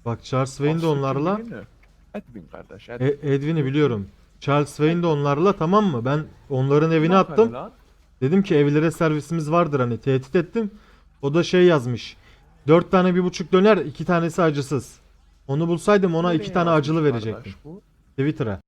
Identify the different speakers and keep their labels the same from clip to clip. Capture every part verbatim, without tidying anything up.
Speaker 1: Bak Charles Wayne de onlarla.
Speaker 2: Edwin kardeş.
Speaker 1: E,
Speaker 2: Edwin.
Speaker 1: Edwin'i biliyorum. Charles Wayne de onlarla, tamam mı? Ben onların evine
Speaker 2: Aferin
Speaker 1: attım.
Speaker 2: lan.
Speaker 1: Dedim ki evlere servisimiz vardır, hani tehdit ettim. O da şey yazmış. Dört tane bir buçuk döner, iki tanesi acısız. Onu bulsaydım ona
Speaker 2: Nereye
Speaker 1: iki tane
Speaker 2: yazmış
Speaker 1: acılı
Speaker 2: kardeş
Speaker 1: verecektim.
Speaker 2: bu?
Speaker 1: Twitter'a.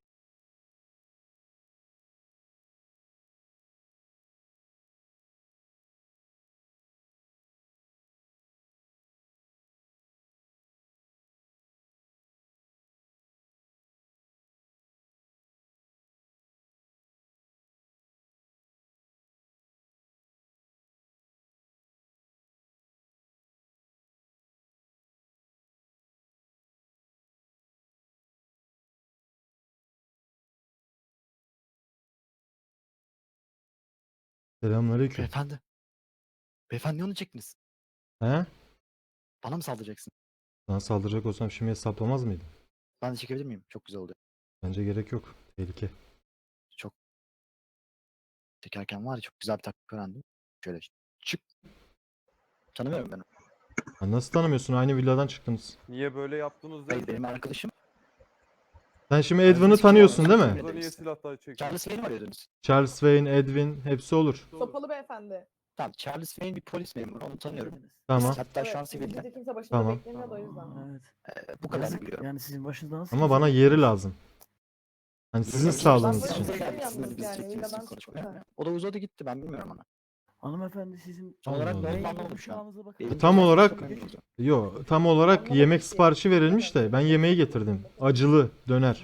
Speaker 1: Selamünaleyküm.
Speaker 3: Beyefendi. Beyefendi ne onu çektiniz?
Speaker 1: He?
Speaker 3: Bana mı saldıracaksın?
Speaker 1: Sana saldıracak olsam şimdi hesaplamaz mıydım?
Speaker 3: Ben de çekebilir miyim? Çok güzel oluyor.
Speaker 1: Bence gerek yok. Tehlike.
Speaker 3: Çok çekerken var ya çok güzel bir taktik öğrendim. Şöyle çık. Tanımıyorum ben onu.
Speaker 1: Ha, nasıl tanımıyorsun? Aynı villadan çıktınız.
Speaker 4: Niye böyle yaptınız
Speaker 3: Hayır
Speaker 4: değil
Speaker 3: benim arkadaşım.
Speaker 1: Sen şimdi Edwin'i tanıyorsun değil mi?
Speaker 4: Burada niye silahlar çekiyor?
Speaker 3: Charles Wayne mi arıyordunuz?
Speaker 1: Charles Wayne, Edwin hepsi olur.
Speaker 5: Sopalı beyefendi.
Speaker 3: Tamam Charles Wayne bir polis memuru onu tanıyorum.
Speaker 1: Tamam.
Speaker 3: Hatta şu an
Speaker 5: Evet,
Speaker 3: sivilden.
Speaker 5: bizde kimse başında
Speaker 1: Tamam.
Speaker 5: beklemiyordu o yüzden.
Speaker 6: Evet.
Speaker 3: Ee, bu kadar
Speaker 6: Yazık,
Speaker 3: biliyorum.
Speaker 6: yani sizin başınızda nasıl
Speaker 1: Ama
Speaker 6: kimse
Speaker 1: bana
Speaker 6: yok?
Speaker 1: yeri lazım. Hani sizin
Speaker 3: Ben
Speaker 1: sağlığınız
Speaker 5: böyle
Speaker 1: için.
Speaker 5: bir şey
Speaker 3: Size
Speaker 5: yalnız
Speaker 3: geldi, siz
Speaker 5: yani,
Speaker 3: çektiniz,
Speaker 5: villadan
Speaker 3: siz
Speaker 5: çıktı.
Speaker 3: konuşmaya. O da uzadı gitti ben bilmiyorum ona.
Speaker 6: Hanımefendi sizin
Speaker 3: Tam olarak
Speaker 1: Allah
Speaker 3: ben
Speaker 1: Allah.
Speaker 3: anlamadım şu an.
Speaker 6: Kulağınıza bakın.
Speaker 3: Benim
Speaker 1: Tam
Speaker 3: güzel
Speaker 1: olarak-
Speaker 3: sokağım oldu.
Speaker 1: Yo, tam olarak
Speaker 5: Anlamadım
Speaker 1: yemek
Speaker 5: ki.
Speaker 1: siparişi verilmiş de ben yemeği getirdim. Acılı döner.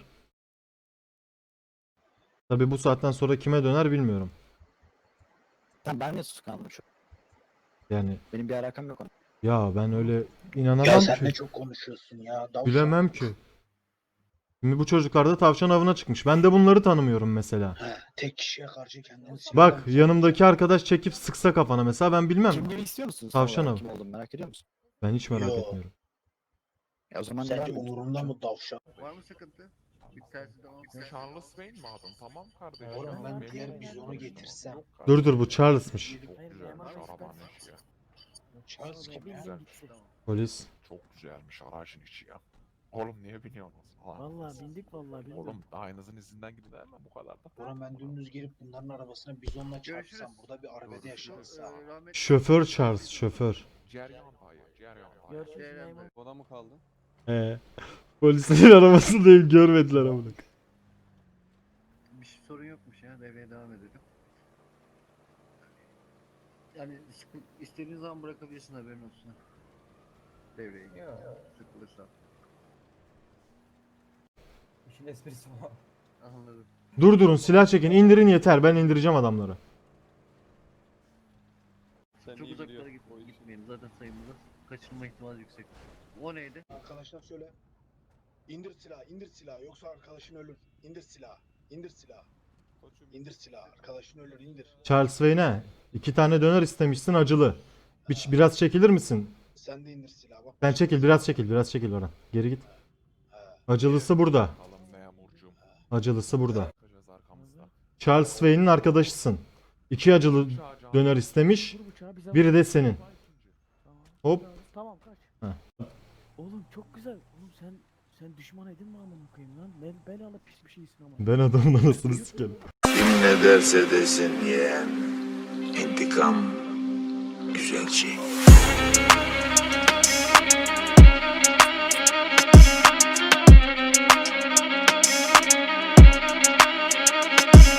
Speaker 1: Tabi bu saatten sonra kime döner bilmiyorum.
Speaker 3: Tamam ben de tutuklandım şu an.
Speaker 1: Yani
Speaker 3: Benim bir alakam yok ona.
Speaker 1: ya ben öyle inanamam
Speaker 7: Ya sen
Speaker 1: ki.
Speaker 7: ne çok konuşuyorsun ya. Davşan.
Speaker 1: Bilemem ki. Şimdi bu çocuklar da tavşan avına çıkmış. Ben de bunları tanımıyorum mesela.
Speaker 7: He, tek kişiye karşı kendini silah
Speaker 1: Bak
Speaker 7: almışsın.
Speaker 1: yanımdaki arkadaş çekip sıksa kafana mesela ben bilmem.
Speaker 3: Kimliğimi istiyor musunuz?
Speaker 1: Tavşan
Speaker 3: Tam olarak
Speaker 1: avı.
Speaker 3: Kim olduğumu merak ediyor musun?
Speaker 1: Ben hiç merak
Speaker 7: Yo.
Speaker 1: etmiyorum.
Speaker 3: Ya o zaman
Speaker 7: Sence
Speaker 3: devam edin.
Speaker 7: umurumda mı davşan?
Speaker 8: Var mı sıkıntı? Bir tersi devam.
Speaker 2: Charles Wayne mi adın? Tamam kardeşim.
Speaker 7: Oğlum ben
Speaker 2: Benim-
Speaker 7: diğer bizonu getirsem.
Speaker 2: Yok kardeşim.
Speaker 1: Dur dur bu Charles'mış.
Speaker 2: Çok
Speaker 6: Hayır,
Speaker 2: güzelmiş
Speaker 6: Yaman
Speaker 2: arabanın içi ya.
Speaker 7: Charles kim ya?
Speaker 2: Güzel.
Speaker 1: Polis.
Speaker 2: Çok güzelmiş aracın içi ya. Oğlum niye biniyorsunuz? Lan.
Speaker 6: Vallahi bindik vallahi bindik.
Speaker 2: Oğlum aynınızın izinden gidilir mi bu kadar da?
Speaker 7: Buran ben dümdüz girip bunların arabasına bizonla
Speaker 8: Görüşürüz.
Speaker 7: çarpsam. Burada bir arbede yaşansa.
Speaker 8: Ee, rahmetli-
Speaker 1: Şoför Charles şoför.
Speaker 2: Ceryan payı, ceryan payı.
Speaker 6: Görüşürüz
Speaker 8: Ee,
Speaker 6: memur.
Speaker 4: Bana mı kaldı?
Speaker 1: Ee, polislerin arabasındayım görmediler amına.
Speaker 8: Bir şey sorun yokmuş ya. Devreye devam edelim. Yani sıkı- istediğin zaman bırakabilirsin haberin olsun. Devreye gir. Sıkılırsa.
Speaker 4: İşin esprisi var.
Speaker 8: Anladım.
Speaker 1: Durdurun silah çekin indirin yeter ben indireceğim adamları.
Speaker 4: Sen
Speaker 8: Çok
Speaker 4: iyi
Speaker 8: uzaklara
Speaker 4: biliyorsun
Speaker 8: git,
Speaker 4: o işi.
Speaker 8: gitmeyelim. Zaten sayımızda kaçırılma ihtimali yüksek. O neydi?
Speaker 7: Arkadaşlar söyle. İndir silahı, indir silahı. Yoksa arkadaşın ölür. İndir silahı, indir silahı.
Speaker 4: Koçum,
Speaker 7: İndir silahı. Arkadaşın ölür, indir.
Speaker 1: Charles Wayne'e iki tane döner istemişsin acılı. Bir, biraz çekilir misin?
Speaker 7: Sen de indir silahı. Bak.
Speaker 1: Sen çekil biraz çekil biraz çekil oradan. Geri git.
Speaker 7: He.
Speaker 1: Acılısı burada.
Speaker 2: Bakalım memurcuğum.
Speaker 1: Acılısı burada.
Speaker 2: Bakacağız arkamızda.
Speaker 1: Charles Wayne'in arkadaşısın. İki acılı döner istemiş.
Speaker 6: Vur bıçağı bize
Speaker 1: Biri
Speaker 6: vur.
Speaker 1: de senin.
Speaker 6: Tamam.
Speaker 1: Hop.
Speaker 6: Tamam kaç.
Speaker 1: Heh.
Speaker 6: Oğlum çok güzel. Oğlum sen sen düşman edin mi amına koyayım lan? Bel belalı pis bir şeysin ama.
Speaker 1: Ben adamın anasını sikerim.
Speaker 9: Kim ne derse desin yeğen, intikam güzel şey.